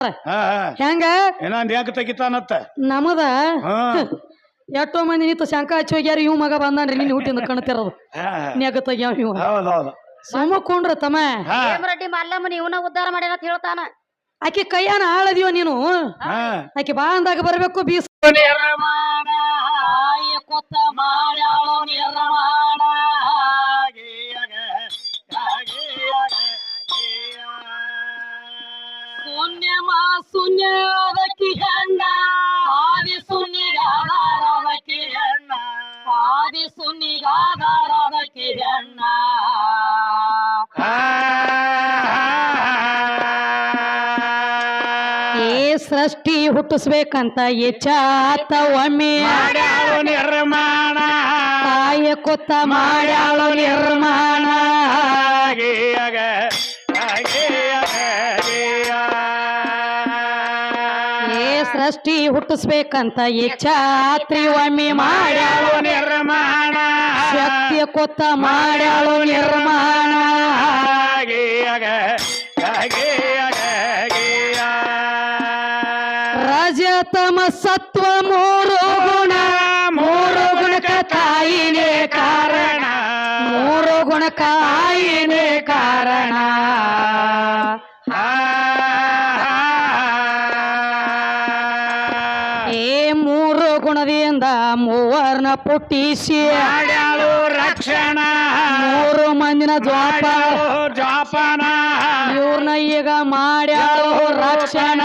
ಹೆಂಗ ಹೆಂಗ ತೆಗಿತಾನತ್ತ ನಮದ ಎಷ್ಟೋ ಮಂದಿ ನಿಂತು ಶಂಕ ಹಚ್ಚಿ ಹೋಗ್ಯಾರ ಇವ್ ಮಗ ಬಂದಾನ್ರಿ ನಿನ್ನ ಹುಟ್ಟಿಂದ ಕಣ್ತಿರೋದು ನೆಗ ತೆಗ್ಯಾವ ಇವ ಸುಮ್ಮಕೊಂಡ್ರ ತಮ್ಮ ರೆಡ್ಡಿ ಮಲ್ಲಮ್ಮನ ಇವನ ಉದ್ಧಾರ ಮಾಡ್ಯಾನ ಅಂತ ಹೇಳ್ತಾನ ಆಕಿ ಕೈಯಾನ ಆಳದಿವ ನೀನು ಆಕಿ ಬಾ ಅಂದಾಗ ಬರ್ಬೇಕು ಬೀಸ್ ಶೂನ್ಯದಕ್ಕಿ ಹೆಣ್ಣ ಆದಿ ಶೂನ್ಯಗಾದರದಕ್ಕಿ ಹೆಣ್ಣ ಆದಿ ಶೂನ್ಯಗಾದರದಕ್ಕಿ ಹೆಣ್ಣ ಏ ಸೃಷ್ಟಿ ಹುಟ್ಟಿಸ್ಬೇಕಂತ ಎಚ್ಚಾತ ಒಮ್ಮೆ ನಿರ್ಮಾಣ ತಾಯ ಕೊತ್ತ ಮಾಡ್ಯಾಳು ನಿರ್ಮಾಣ ಸೃಷ್ಟಿ ಹುಟ್ಟಿಸ್ಬೇಕಂತ ಇಚ್ಛಾತ್ರಿ ಒಮ್ಮೆ ಮಾಡ್ಯಾಳು ನಿರ್ಮಾಣ ಶಕ್ತಿಯ ಕೊತ್ತ ಮಾಡ್ಯಾಳು ನಿರ್ಮಾಣ ರಜತಮ ಸತ್ವ ಮೂರು ಗುಣಕ ತಾಯಿನೇ ಕಾರಣ ಮೂರು ಗುಣಕ ಆಯಿನೇ ಕಾರಣ ಗುಣದಿಂದ ಮೂವರ್ನ ಪುಟ್ಟಿಸಿ ಮಾಡ್ಯಾಳು ರಕ್ಷಣ ಮೂರು ಮಂದಿನ ಜೋಪಾನ ಇವ್ರನ್ನ ಈಗ ಮಾಡ್ಯಾಳು ರಕ್ಷಣ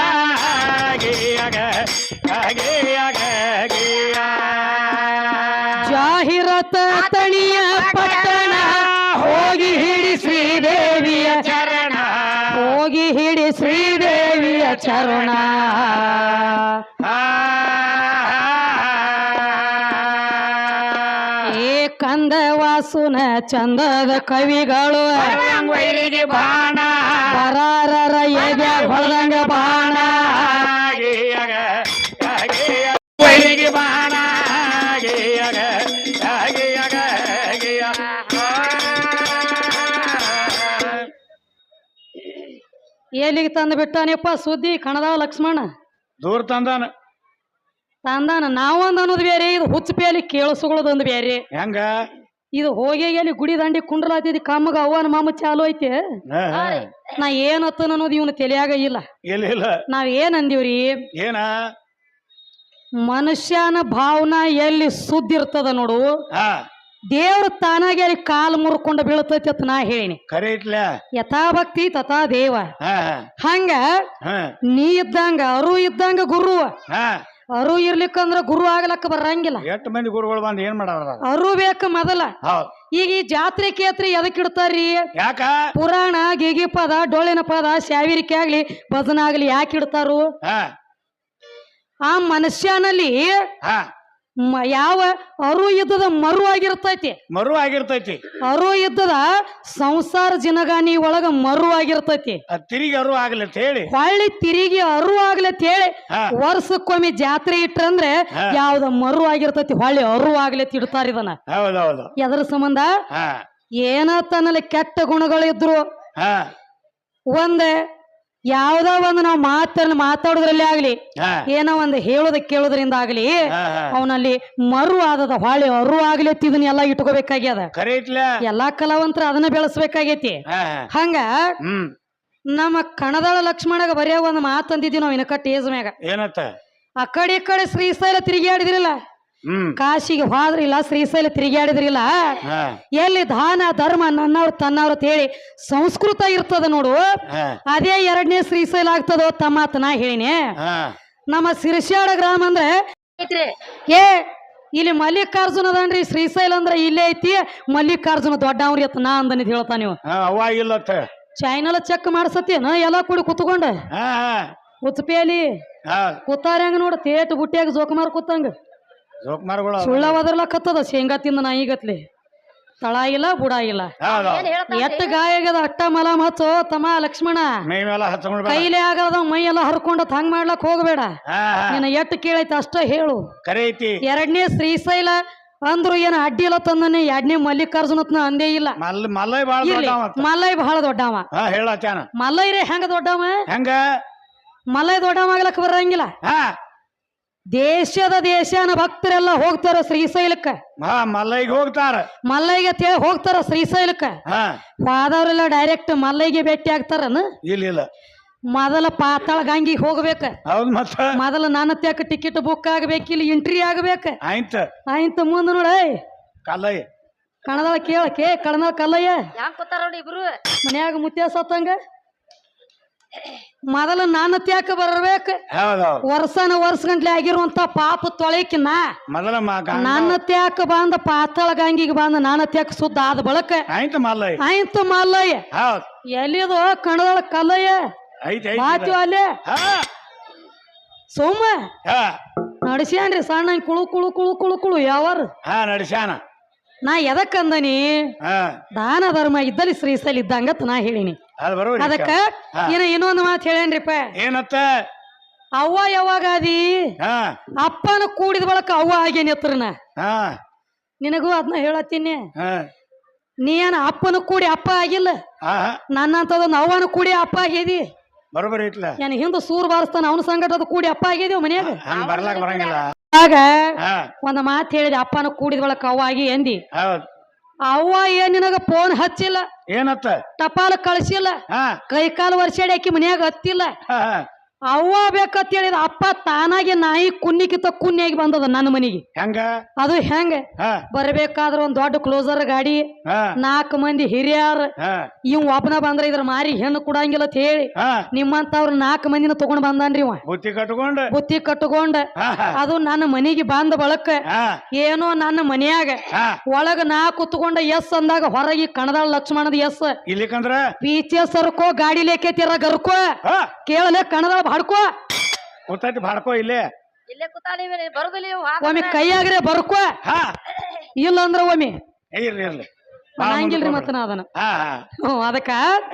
ಜಾಹಿರತ ತಣಿಯ ಪಟ್ಟಣ ಹೋಗಿ ಹಿಡಿ ಶ್ರೀದೇವಿಯ ಚರಣ ಹೋಗಿ ಹಿಡಿ ಶ್ರೀದೇವಿಯ ಚರಣ ಕಂದವಾಸುನ ಚಂದದ ಕವಿಗಳು ಬಾಣ ಬರಾರರ ಎದೆ ಹೊಳದಂಗ ಬಾಣ ಬಾಣ ಎಲ್ಲಿಗೆ ತಂದು ಬಿಟ್ಟಾನಪ್ಪ ಸುದ್ದಿ ಕಣದ ಲಕ್ಷ್ಮಣ ದೂರ ತಂದಾನ ನಾವೊಂದು ಅನ್ನೋದು ಬೇರೆ ಇದು ಹುಚ್ಚಪೇಲಿ ಕೇಳಿಸ್ಕೊಳ್ಳೋದೊಂದು ಬೇರೆ ಹೆಂಗ ಇದು ಹೋಗಿ ಎಲ್ಲಿ ಗುಡಿ ದಂಡಿ ಕುಂಡ್ರಲಾತಿದ್ ಕಮ್ಮಗ ಅವ್ವನ ಮಾಮ ಚಾಲು ಐತೆ ನಾ ಏನತ್ತ ಅನ್ನೋದು ಇವನು ತಲೆಯಾಗ ಇಲ್ಲ ನಾವ್ ಏನ್ ಅಂದಿವ್ರಿ ಏನ ಮನುಷ್ಯನ ಭಾವನಾ ಎಲ್ಲಿ ಸುದ್ದಿರ್ತದ ನೋಡು ದೇವ್ರ ತಾನಾಗಿ ಅಲ್ಲಿ ಕಾಲು ಮುರ್ಕೊಂಡು ಬೀಳ್ತೈತಿ ಅಂತ ನಾ ಹೇಳಿನಿ ಖರೆ ಇಟ್ಲ ಯಥಾ ಭಕ್ತಿ ತಥಾ ದೇವ ಹಂಗ ನೀ ಇದ್ದಂಗ ಅರು ಇದ್ದಂಗ ಗುರು ಅರು ಇರ್ಲಿಕ್ಕಂದ್ರ ಗುರು ಆಗ್ಲಕ್ಕ ಬರಂಗಿಲ್ಲ ಎಷ್ಟು ಮಂದಿ ಗುರುಗಳು ಬಂದ್ ಏನ್ ಮಾಡಾರ ಅರು ಬೇಕ ಮೊದಲ ಈಗ ಈ ಜಾತ್ರೆ ಕೇತ್ರಿ ಎದಕ್ ಇಡ್ತಾರ್ರಿ ಯಾಕ ಪುರಾಣ ಗೀಗಿ ಪದ ಡೊಳ್ಳಿನ ಪದ ಶಾವಿರಿಕೆ ಆಗ್ಲಿ ಭಜನ ಆಗ್ಲಿ ಯಾಕೆ ಇಡ್ತಾರು ಆ ಮನುಷ್ಯನಲ್ಲಿ ಯಾವ ಅರು ಯುದ್ಧದ ಮರು ಆಗಿರ್ತೈತಿ ಅರು ಯುದ್ಧದ ಸಂಸಾರ ಜಿನಗಾನಿ ಒಳಗ ಮರು ಆಗಿರ್ತೈತಿ ತಿರುಗಿ ಅರು ಆಗ್ಲಿ ಹೇಳಿ ಹೊಳ್ಳಿ ತಿರುಗಿ ಅರು ಆಗ್ಲಿ ಹೇಳಿ ವರ್ಷಕ್ಕೊಮ್ಮೆ ಜಾತ್ರೆ ಇಟ್ರಂದ್ರೆ ಯಾವ್ದ ಮರು ಆಗಿರ್ತೈತಿ ಹೊಳ್ಳಿ ಅರು ಆಗ್ಲಿ ಇಡ್ತಾರ ಇದನ್ನ ಎದ್ರ ಸಂಬಂಧ ಏನತ್ತನಲ್ಲಿ ಕೆಟ್ಟ ಗುಣಗಳಿದ್ರು ಒಂದ್ ಯಾವ್ದೋ ಒಂದು ನಾವು ಮಾತಾಡೋದ್ರಲ್ಲಿ ಆಗ್ಲಿ ಏನೋ ಒಂದು ಹೇಳೋದ ಕೇಳೋದ್ರಿಂದ ಆಗ್ಲಿ ಅವನಲ್ಲಿ ಮರು ಆದದ ಹೊಳೆ ಅರು ಆಗ್ಲಿ ಇದನ್ನ ಎಲ್ಲಾ ಇಟ್ಕೋಬೇಕಾಗ್ಯದ ಎಲ್ಲಾ ಕಲಾವಂತರ ಅದನ್ನ ಬೆಳೆಸ್ಬೇಕಾಗೈತಿ ಹಂಗ ನಮ್ಮ ಕಣದಾಳ ಲಕ್ಷ್ಮಣಗ ಬರೆಯ ಒಂದು ಮಾತಂದಿದ್ವಿ ನಾವ್ ಇನಕ ಟೇಜ್ ಮ್ಯಾಗ ಏನತ್ತ ಆ ಕಡೆ ಶ್ರೀಶೈಲ ತಿರುಗಾಡಿದ್ರಿಲ್ಲ ಕಾಶಿಗೆ ಹೋದ್ರಿಲ್ಲ ಶ್ರೀಶೈಲ ತಿರುಗಾಡಿದ್ರಿಲ್ಲ ಎಲ್ಲಿ ದಾನ ಧರ್ಮ ನನ್ನವ್ರು ತನ್ನವ್ರ ಹೇಳಿ ಸಂಸ್ಕೃತ ಇರ್ತದ ನೋಡು ಅದೇ ಎರಡನೇ ಶ್ರೀಶೈಲ ಆಗ್ತದೋ ತಮ್ಮತ್ ನಾ ಹೇಳಿನಿ ನಮ್ಮ ಸಿರಸ್ಯಾಡ ಗ್ರಾಮ ಅಂದ್ರೆ ಇಲ್ಲಿ ಮಲ್ಲಿಕಾರ್ಜುನ ಅದನ್ರಿ ಶ್ರೀಶೈಲ ಅಂದ್ರೆ ಇಲ್ಲೇ ಐತಿ ಮಲ್ಲಿಕಾರ್ಜುನ ದೊಡ್ಡವ್ರಿ ಅತ್ತ ನಾ ಅಂದನಿದ್ ಹೇಳ್ತಾ ನೀವು ಚಾಯ್ನಲ್ ಚೆಕ್ ಮಾಡ್ಸತ್ತೇನ ಎಲ್ಲಾ ಕೂಡಿ ಕುತ್ಕೊಂಡ ಕುತ್ಪೇಲಿ ಕೂತಾರ ಹೆಂಗ ನೋಡ ತೇಟ್ ಬುಟ್ಟಿಯಾಗ ಜೋಕುಮಾರ್ ಕೂತಂಗ ಸುಳ್ಳವದರ್ಲಕ್ಕತ್ತದ ಶೇಂಗಾ ತಿಂದ ನಾಯಿಗತ್ಲಿ ತಳ ಇಲ್ಲ ಬುಡ ಇಲ್ಲ ಎತ್ತ ಗಾಯ ಆಗ್ಯದ ಅಟ್ಟ ಮಲ ಹಚ್ಚೋ ತಮ್ಮ ಲಕ್ಷ್ಮಣ ಕೈಲೇ ಆಗದ ಮೈ ಎಲ್ಲ ಹರ್ಕೊಂಡತ್ ಹಂಗ್ ಮಾಡ್ಲಕ್ ಹೋಗ್ಬೇಡ ನಿನ್ನ ಎಟ್ಟು ಕೇಳೈತಿ ಅಷ್ಟ ಹೇಳು ಎರಡನೇ ಶ್ರೀಶೈಲ ಅಂದ್ರು ಏನ ಅಡ್ಡಿ ಇಲ್ಲ ತಂದನೆ ಎರಡನೇ ಮಲ್ಲಿಕಾರ್ಜುನತ್ನ ಅಂದೇ ಇಲ್ಲ ಮಲ್ಲೈ ಬಹಳ ದೊಡ್ಡವ ಮಲ್ಲೈರೇ ಹೆಂಗ ದೊಡ್ಡವ ಹೆಂಗ ಮಲ್ಲೈ ದೊಡ್ಡವಾಗ್ಲಕ್ಕ ಬರಂಗಿಲ್ಲ. ಹಾ ದೇಶನ ಭಕ್ತರೆಲ್ಲ ಹೋಗ್ತಾರ ಶ್ರೀಶೈಲಕ್ಕ. ಹಾ ಮಲ್ಲೈಗೆ ಹೋಗ್ತಾರ. ಮಲ್ಲೈಗೆ ತೇಳಿ ಹೋಗ್ತಾರ ಶ್ರೀಶೈಲಕ್ಕ. ಹಾ ಹೋದವ್ರೆಲ್ಲ ಡೈರೆಕ್ಟ್ ಮಲ್ಲೈಗೆ ಭೇಟಿ ಆಗ್ತಾರನ. ಇಲ್ಲ ಮೊದಲ ಪಾತಾಳ ಗಂಗಿಗೆ ಹೋಗ್ಬೇಕ. ಹೌದ್ ಮತ್ತ ಮೊದಲ ನನ್ನ ತ್ಯಾಕ ಟಿಕೆಟ್ ಬುಕ್ ಆಗ್ಬೇಕು, ಇಲ್ಲಿ ಎಂಟ್ರಿ ಆಗ್ಬೇಕ. ಆಯ್ತ ಮುಂದ ನೋಡ ಕಲ್ಲಯ್ಯ ಕಣದಾಳ ಕೇಳಕ್ಕೆ ಕಣದಾಳ ಕಲ್ಲಯ್ಯ ಯಾಕೆ ಕೂತಾರ ನೋಡಿ ಇಬ್ರು ಮನ್ಯಾಗ ಮುತ್ಯ ಸತ್ತಂಗ. ಮೊದಲ ನನ್ನ ತ್ಯಾಕ ಬರ್ಬೇಕ. ವರ್ಷ ಗಂಟ್ಲೆ ಆಗಿರುವಂತ ಪಾಪ ತೊಳೆಕಿನ ಮೊದಲ ನನ್ನ ತ್ಯಾಕ ಬಂದ ಪಾತಾಳ ಗಂಗಿಗೆ ಬಂದ ನನ್ನ ತ್ಯಾಕ ಸುದ್ದ ಆದ ಬಳಕ ಆಯ್ತು ಮಲ್ಲಯ್ಯ. ಆಯ್ತು ಮಲ್ಲಯ್ಯ ಎಲ್ಲಿದು ಕಣದಾಳ ಕಲ್ಲಯ್ಯ ಮಾತು ಅಲ್ಲೇ ಸೋಮ ನಡ್ಸ್ಯಾನ್ರಿ ಸಣ್ಣ ಕುಳು ಕುಳು ಕುಳು ಕುಳು ಕುಳು ಯಾವಾರ ನಡ್ಸ್ಯಾನ. ನಾ ಎದಕ್ಕಂದನಿ ದಾನ ಧರ್ಮ ಇದ್ದಲ್ಲಿ ಶ್ರೀಶೈಲ ಇದ್ದಂಗತ್ ನಾ ಹೇಳಿನಿ. ಅದಕ್ಕ ಇನ್ನೊಂದು ಮಾತು ಹೇಳೇನ್ರಿಪ್ಪ. ಏನತ್ತ? ಅವ್ವ ಯಾವಾಗ ಅದಿ ಅಪ್ಪನ ಕೂಡಿದ ಬಳಕ ಅವ್ವ ಆಗೇನಿ ಹತ್ರನ. ನಿನಗೂ ಅದನ್ನ ಹೇಳತ್ತೀನಿ. ನೀ ಏನ ಅಪ್ಪನ ಕೂಡಿ ಅಪ್ಪ ಆಗಿಲ್ಲ, ನನ್ನಂತದೊಂದು ಅವ್ವನ ಕೂಡಿ ಅಪ್ಪ ಆಗಿದಿ. ಬರೋಬರಿ ಐತ್ಲ. ಏನ್ ಹಿಂದ ಸೂರ್ ಬಾರಿಸ್ತಾನ ಅವನ ಸಂಗಟ ಕೂಡಿ ಅಪ್ಪ ಆಗಿದೇವ್ ಮನ್ಯಾಗ. ಬರ್ಲಾಕ ಬರಂಗಿಲ್ಲ. ಆಗ ಒಂದ್ ಮಾತು ಹೇಳಿದೆ, ಅಪ್ಪನ ಕೂಡಿದ ಬಳಕ ಅವ್ವ ಆಗಿ ಎಂದಿ. ಅವ್ವ ಏನ್ ನಿನಗ ಫೋನ್ ಹಚ್ಚಿಲ್ಲ, ಏನತ್ತ ಟಪಾಲ ಕಳ್ಸಿಲ್ಲ, ಕೈ ಕಾಲು ವರ್ಷಾಡಿ ಹಾಕಿ ಮನ್ಯಾಗ ಹತ್ತಿಲ್ಲ. ಅವ್ವ ಬೇಕಂತ ಹೇಳಿದ ಅಪ್ಪ ತಾನಾಗಿ ನಾಯಿ ಕುನ್ನಿಕಿತ ಕುನ್ನಿಯಾಗಿ ಬಂದದ ನನ್ನ ಮನಿಗೆ. ಹೆಂಗ ಅದು ಹೆಂಗ ಬರ್ಬೇಕಾದ್ರ ಒಂದ್ ದೊಡ್ಡ ಕ್ಲೋಸರ್ ಗಾಡಿ, 4 ಮಂದಿ ಹಿರಿಯರ್, ಇವ್ ಒಬ್ಬನ ಬಂದ್ರ ಇದ್ರ ಮಾರಿ ಹೆಣ್ಣು ಕೊಡಂಗಿಲ್ಲ ಅಂತ ಹೇಳಿ ನಿಮ್ಮಂತವ್ರ 4 ಮಂದಿನ ತಗೊಂಡ್ ಬಂದಾನ್ರಿ ಇವ. ಬುತ್ತಿ ಕಟ್ಕೊಂಡ ಅದು ನನ್ನ ಮನಿಗೆ ಬಂದ ಬಳಕ ಏನೋ ನನ್ನ ಮನ್ಯಾಗ ಒಳಗ ನಾ ಕುತ್ಕೊಂಡ ಎಸ್ ಅಂದಾಗ ಹೊರಗೆ ಕಣದಾಳ ಲಕ್ಷ್ಮಣದ ಎಸ್ ಇಲ್ಲಿಕಂದ್ರ ಪೀಚೆ ಸರ್ಕೋ ಗಾಡಿ ಲೇಕೈತಿರ ಗರ್ಕೋ ಕೇಳಲೆ ಕಣದಾಳ ಬಾಡ್ಕೋ ಗೊತ್ತಾಯ್ತು. ಬಾಡ್ಕೋ ಇಲ್ಲೇ ಬರುದಿಲ್ಲ. ಒಮ್ಮೆ ಕೈಯಾಗ್ರೆ ಬರ್ಕೋ, ಇಲ್ಲ ಅಂದ್ರ ಒಮ್ಮೆ ಇರ್ಲಿ ಹಂಗಿಲ್ರಿ ಮತ್ತ ನಾ ಅದನ್ನ. ಅದಕ್ಕ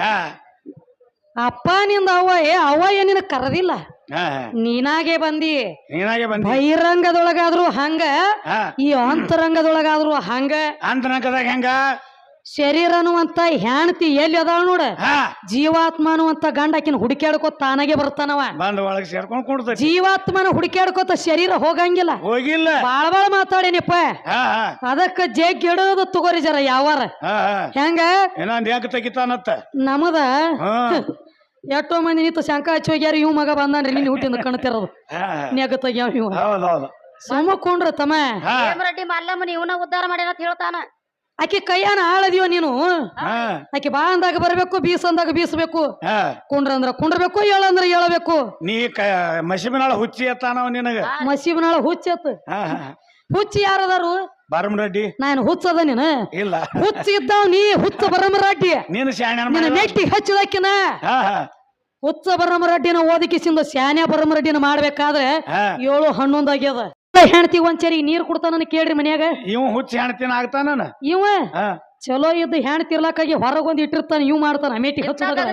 ಅಪ್ಪ ನಿಂದ ಅವ್ವ ಏನಿನ ಕರದಿಲ್ಲ, ನೀನಾಗೆ ಬಂದಿ. ಬಹಿರಂಗದೊಳಗಾದ್ರು ಹಂಗ, ಈ ಅಂತರಂಗದೊಳಗಾದ್ರು ಹಂಗ. ಅಂತರಂಗದಾಗ ಹೆಂಗ? ಶರೀರ ಅನ್ನುವಂತ ಹೆಣ್ತಿ ಎಲ್ಲಿ ಅದಾಳ ನೋಡ, ಜೀವಾತ್ಮ ಅನ್ನುವಂತ ಗಂಡ ಆಕಿನ ಹುಡುಕ್ಯಾಡ್ಕೋತ ತಾನಾಗೆ ಬರ್ತಾನವ. ಒಳಗೆ ಸೇರ್ಕೊಂಡ್ ಕೊಡ್ತ ಜೀವಾತ್ಮನ ಹುಡುಕ್ಯಾಡ್ಕೋತ ಶರೀರ ಹೋಗಂಗಿಲ್ಲ. ಹೋಗಿಲ್ಲ. ಬಾಳ ಮಾತಾಡೇನಿಪ್ಪ. ಅದಕ್ಕ ಜಗ್ ಇಡೋದು ತಗೋರಿ ಜರ ಯಾವಾರ ಹೆಂಗ ಯಾಕೆ ತೆಗಿತಾನತ್ತ ನಮದ ಎಷ್ಟೋ ಮಂದಿ ನಿಂತು ಶಂಕ ಹಚ್ಚಿ ಹೋಗ್ಯಾರ. ಇವ್ ಮಗ ಬಂದಾನ್ರಿ ನಿನ್ನ ಹುಟ್ಟಿಂದ ಕಣ್ತಿರೋದು ನೆಗ ತೆಗ್ಯಾವ ಇವ. ಸುಮ್ಮಕೊಂಡ್ರ ತಮ್ಮ ರೆಡ್ಡಿ ಮಲ್ಲಮ್ಮನ ಇವನ ಉದ್ಧಾರ ಮಾಡ್ಯಾನ ಅಂತ ಹೇಳ್ತಾನ. ಆಕಿ ಕೈಯಾನ ಆಳದಿವ ನೀನು. ಆಕಿ ಬಾ ಅಂದಾಗ ಬರ್ಬೇಕು, ಬೀಸ್ ಅಂದಾಗ ಬೀಸ್ಬೇಕು, ಕುಂಡ್ರ ಅಂದ್ರ ಕುಂಡ್ರಬೇಕು, ಏಳಂದ್ರ ಏಳಬೇಕು. ನೀ ಮಸೀಬಿನಾಳ ಹುಚ್ಚಿ ಎತ್ತಾನವ ನಿನಗ. ಮಸೀಬಿನಾಳ ಹುಚ್ಚತ್. ಹುಚ್ಚಿ ಯಾರದಾರು? ಬರಮರೆಡ್ಡಿ. ನಾನು ಹುಚ್ಚದ ನೀನು ಇಲ್ಲ. ಹುಚ್ಚ ಇದ್ದಾವ್ ನೀ ಹುಚ್ಚ ಬರಮರೆಡ್ಡಿ. ನೀನು ನಿನ್ನ ನೆಟ್ಟಿ ಹಚ್ಚಿದಕ್ಕಿನ ಹುಚ್ಚ ಬರಮರೆಡ್ಡಿನ ಓದಕಿಸಿಂದ ಶಾನ್ಯ ಬರಮರೆಡ್ಡಿನ ಮಾಡ್ಬೇಕಾದ್ರೆ 7-11 ಆಗ್ಯದ. ಹೆಣ್ತಿ ಒಂದ್ಸರಿ ನೀರ್ ಕೊಡ್ತಾನ ಕೇಳ್ರಿ ಮನ್ಯಾಗ. ಇವ್ ಹುಚ್ಚ ಹೆಣ್ತಿನ ಆಗ್ತಾನ. ಇವ ಚಲೋ ಇದ್ದು ಹೆಣ್ತಿರ್ಲಾಕಾಗಿ ಹೊರಗೊಂದ್ ಇಟ್ಟಿರ್ತಾನ, ಇವ್ ಮಾಡ್ತಾನ ಮೇಟಿ ಹಚ್ಚದ.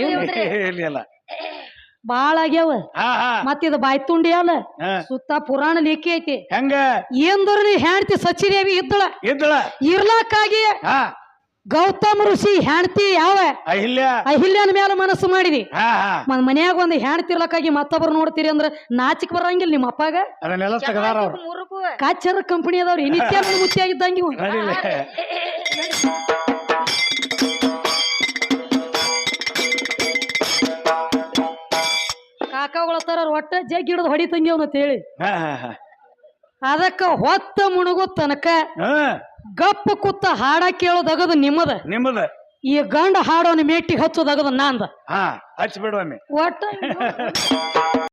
ಬಾಳ ಆಗ್ಯಾವ. ಮತ್ತಿದ ಬಾಯ್ ತುಂಡಿ ಅಲ್ಲ, ಸುತ್ತ ಪುರಾಣ ಲೇಖಿ ಐತಿ. ಹೆಂಗ ಏನ್ದ್ರ ನೀ ಹೆಣ್ತಿ ಸಚಿದೇವಿ ಇದ್ದಳ ಇರ್ಲಾಕಾಗಿ ಗೌತಮ ಋಷಿ ಹೆಣ್ತಿ ಯಾವ ಅಹಿಲ್ಯನ ಮೇಲೆ ಮನಸ್ಸು ಮಾಡಿದಿ. ಮನ್ಯಾಗ ಒಂದ್ ಹೆಣ್ತಿರ್ಲಕ್ಕಾಗಿ ಮತ್ತೊಬ್ರು ನೋಡ್ತೀರಿ ಅಂದ್ರ ನಾಚಿಕ್ ಬರಂಗಿಲ್ಲ ನಿಮ್ಮ ಅಪ್ಪಾಗ. ಕಾಚರ ಕಂಪನಿ ಅದಾವ್ರಿ ನಿತ್ಯ ಮುಚ್ಚಿಯಾಗಿದ್ದಂಗಿ. ಕಾಕಾಗಳತ್ತಾರ ಒಟ್ಟ ಜಗ್ ಹಿಡಿದು ಹೊಡಿತಂಗಿ ಅವನಂತ ಹೇಳಿ. ಅದಕ್ಕ ಹೊತ್ತ ಮುಣಗೋ ತನಕ ಗಪ್ಪ ಕೂತ ಹಾಡ ಕೇಳೋದಗದು ನಿಮ್ಮದ. ಈ ಗಂಡ ಹಾಡೋನ ಮೇಟಿ ಹಚ್ಚೋದಗದ ನಂದ. ಹಚ್ಚಿ ಬಿಡುವ ಒಟ್ಟ